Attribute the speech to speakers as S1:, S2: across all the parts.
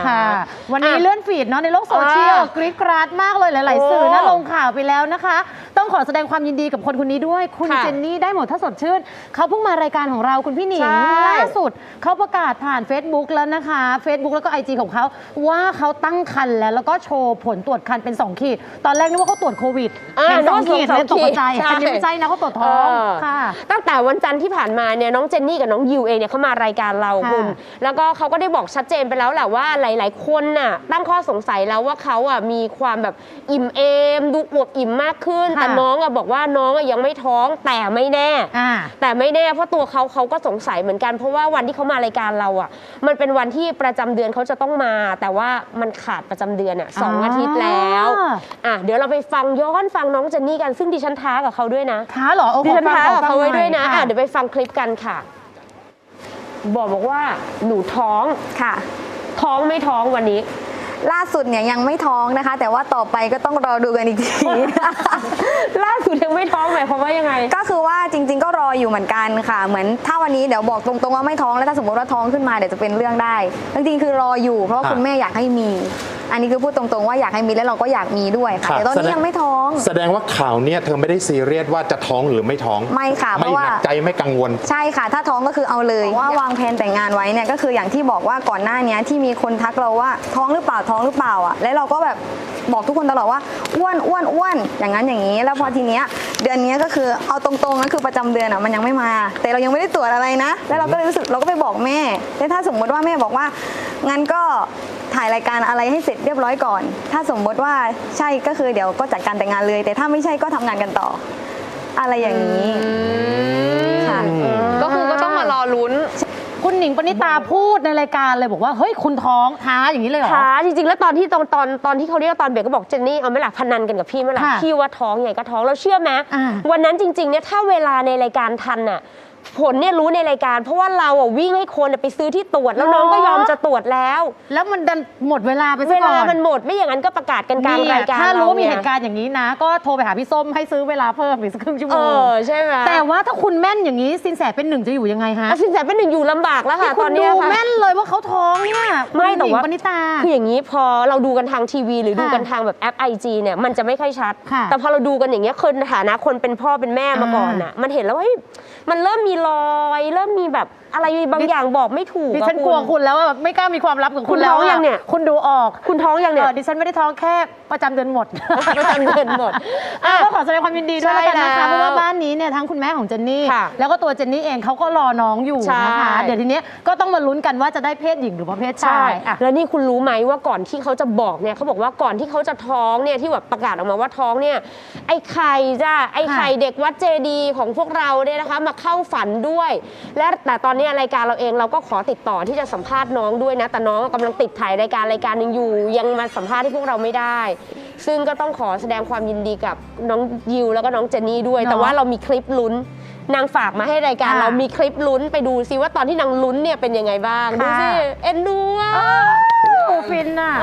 S1: ค่ะวันนี้เลื่อนฟีดเนาะในโลกโซเชียลกรี๊ดกราดมากเลยหลายๆสื่อน่าลงข่าวไปแล้วนะคะต้องขอแสดงความยินดีกับคนนี้ด้วยคุณเจนนี่ได้หมดถ้าสดชื่นเขาเพิ่งมารายการของเราคุณพี่หนิงล่าสุดเขาประกาศผ่าน Facebook แล้วนะคะ Facebook แล้วก็ IG ของเขาว่าเขาตั้งครรภ์แล้วก็โชว์ผลตรวจครรภ์เป็น2 ขีดตอนแรกนึกว่าเขาตรวจโควิดเป็น2 ขีดเลยตกใจแต่ไม่ใช่นะเขาตรวจท้องค่ะ
S2: ตั้งแต่วันจันทร์ที่ผ่านมาเนี่ยน้องเจนนี่กับน้องยิวเองเนี่ยเขามารายการเราคุณแล้วก็เขาก็ได้บอกชัดเจนไปแล้วแหละว่าหลายๆคนน่ะตั้งข้อสงสัยแล้วว่าเขาอ่ะมีความแบบอิ่มเอมดูอวบอิ่มมากขึ้นแต่น้องอ่ะบอกว่าน้องอ่ะยังไม่ท้องแต่ไม่แน่เพราะตัวเขาก็สงสัยเหมือนกันเพราะว่าวันที่เขามารายการเราอ่ะมันเป็นวันที่ประจำเดือนเขาจะต้องมาแต่ว่ามันขาดประจำเดือนอ่ะ2 อาทิตย์แล้วเดี๋ยวเราไปฟังย้อนฟังน้องเจนนี่กันซึ่งดิฉันท้ากับเขาด้วยนะ
S1: ท้าเหรอ
S2: ดิฉันท้ากับเขาไว้ด้วยนะเดี๋ยวไปฟังคลิปกันค่ะบอกว่าหนูท้อง
S3: ค่ะ
S2: ท้องไม่ท้องวันนี้
S3: ล่าสุดเนี่ยยังไม่ท้องนะคะแต่ว่าต่อไปก็ต้องรอดูกันอีกที
S2: ล่าสุดยังไม่ท้องหมายความว่ายังไง
S3: ก็คือว่าจริงๆก็รออยู่เหมือนกันค่ะเหมือนถ้าวันนี้เดี๋ยวบอกตรงๆว่าไม่ท้องแล้วถ้าสมมติว่าท้องขึ้นมาเดี๋ยวจะเป็นเรื่องได้จริงๆคือรออยู่เพราะว่าคุณแม่อยากให้มีอันนี้คือพูดตรงๆว่าอยากให้มีแล้วเราก็อยากมีด้วยค่ะแต่ตอนนี้ยังไม่ท้อง
S4: แสดงว่าข่าวเนี่ยเธอไม่ได้ซีเรียสว่าจะท้องหรือไม่ท้อง
S3: ไม่ค่ะเพราะว่า
S4: ไม่หนักใจไม่กังวล
S3: ใช่ค่ะถ้าท้องก็คือเอาเลยว่าวางแผนแต่งงานไว้เนี่ยก็คืออย่างที่บอกว่าก่อนหน้านี้ที่มีคนทักเราว่าท้องหรือเปล่าอ่ะแล้วเราก็แบบบอกทุกคนตลอดว่าอ้วนอย่างนั้นอย่างนี้แล้วพอทีเนี้ยเดือนนี้ก็คือเอาตรงๆก็คือประจำเดือนอ่ะมันยังไม่มาแต่เรายังไม่ได้ตรวจอะไรนะแล้วเราก็เลยรู้สึกเราก็ไปบอกแม่แต่ถ้าสมมติว่าแม่บอกว่างั้นก็ถ่ายรายการอะไรให้เสร็จเรียบร้อยก่อนถ้าสมมติว่าใช่ก็คือเดี๋ยวก็จัดการแต่งงานเลยแต่ถ้าไม่ใช่ก็ทำงานกันต่ออะไรอย่างนี้ค่ะ
S2: ก็คือก็ต้องมารอลุ้น
S1: คุณหนิงปณิตาพูดในรายการเลยบอกว่าเฮ้ยคุณท้องท้าอย่างนี้เลยเหรอ
S2: ท้าจริงๆแล้วตอนที่เขาเรียกตอนเบรกก็บอกเจนนี่เอาไม่หลักพนันกันกับพี่ไม่หลักพี่ว่าท้องไงก็ท้องเราเชื่อไหมวันนั้นจริงๆเนี่ยถ้าเวลาในรายการทันน่ะผลเนี่ยรู้ในรายการเพราะว่าเราวิ่งให้คนไปซื้อที่ตรวจแล้วน้องก็ยอมจะตรวจแล้ว
S1: มันดันหมดเวลาไปซะก่อน
S2: เวลามันหมดไม่อย่างนั้นก็ประกาศกันกลางรายการ
S1: ถ้ารู้ว่ามีเหตุการณ์อย่างนี้นะก็โทรไปหาพี่ส้มให้ซื้อเวลาเพิ่มอีกสักครึ่งชั่วโมง
S2: ใช่ไหม
S1: แต่ว่าถ้าคุณแม่นอย่างนี้สินแสเป็นหนึ่งจะอยู่ยังไงฮะ
S2: สินแสเป็นหนึ่งอยู่ลำบากแล้วค่ะตอนนี้
S1: ค่ะแม่นเลยว่าเขาท้องเนี่ย
S2: ไม่แต่ว่า
S1: ปณิตา
S2: คืออย่างนี้พอเราดูกันทางทีวีหรือดูกันทางแบบแอป IG เนี่ยมันจะไม่ค่อยชัดแต่พอเราดูกันอย่างเงี้ยคนฐานะคนเป็นพ่อเป็นแม่มาก่อนน่ะมันเห็นแล้วว่ามันเริ่มมีรอยเริ่มมีแบบอะไรบางอย่างบอกไม่ถูก
S1: ดิฉันกลัวคุณแล้วแบบไม่กล้ามีความลับกับคุณแล้ว
S2: ยังเนี่ย
S1: คุณดูออก
S2: คุณท้องยังเนี่ย
S1: ดิฉันไม่ได้ท้องแค่ประจำเดือนหมด
S2: ประจำเดือนหมด
S1: ก็ขอแสดงความยินดีด้วยแล้วกันนะคะเพราะว่าบ้านนี้เนี่ยทั้งคุณแม่ของเจนนี่แล้วก็ตัวเจนนี่เองเขาก็รอน้องอยู่นะคะเดี๋ยวทีนี้ก็ต้องมาลุ้นกันว่าจะได้เพศหญิงหรือว่าเพศชาย
S2: แล้วนี่คุณรู้ไหมว่าก่อนที่เขาจะบอกเนี่ยเขาบอกว่าก่อนที่เขาจะท้องเนี่ยที่แบบประกาศออกมาว่าท้องเนี่ยไอ้ไข่เด็กวัดเจดีของพวกเราเนี่ยนะคะมาเข้าฝันด้วยและแต่ตอนนี้รายการเราเองเราก็ขอติดต่อที่จะสัมภาษณ์น้องด้วยนะแต่น้องกำลังติดถ่ายรายการหนึ่งอยู่ยังมาสัมภาษณ์ที่พวกเราไม่ได้ซึ่งก็ต้องขอแสดงความยินดีกับน้องยิวแล้วก็น้องเจนนี่ด้วยแต่ว่าเรามีคลิปลุ้นนางฝากมาให้รายการเรามีคลิปลุ้นไปดูซิว่าตอนที่นางลุ้นเนี่ยเป็นยังไงบ้างดูสิเอ็นดูอ่ะ
S1: ฟินอ่ะ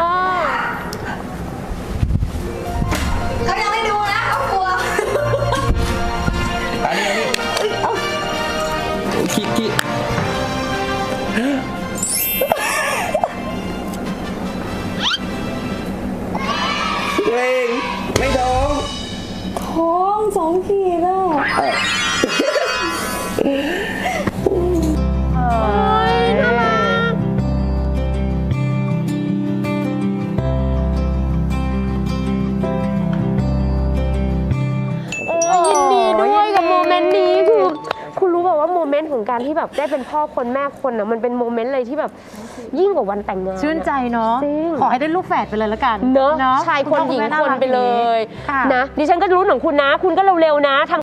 S3: เขายังไม่ดูนะเขากลัว
S4: ขี้เองไม่ท้
S3: อง2 ขีดแล้ว
S2: ยินดีด้วยกับโมเมนต์นี้คือคุณรู้แบบว่าโมเมนต์ของการที่แบบได้เป็นพ่อคนแม่คนนะมันเป็นโมเมนต์เลยที่แบบยิ่งกว่าวันแต่งงาน
S1: ชื่นใจเนาะขอให้ได้ลูกแฝดไปเลยละกัน
S2: เนาะชายคนหญิงคนไปเลยนะดิฉันก็รู้ของคุณนะคุณก็เร็วๆนะ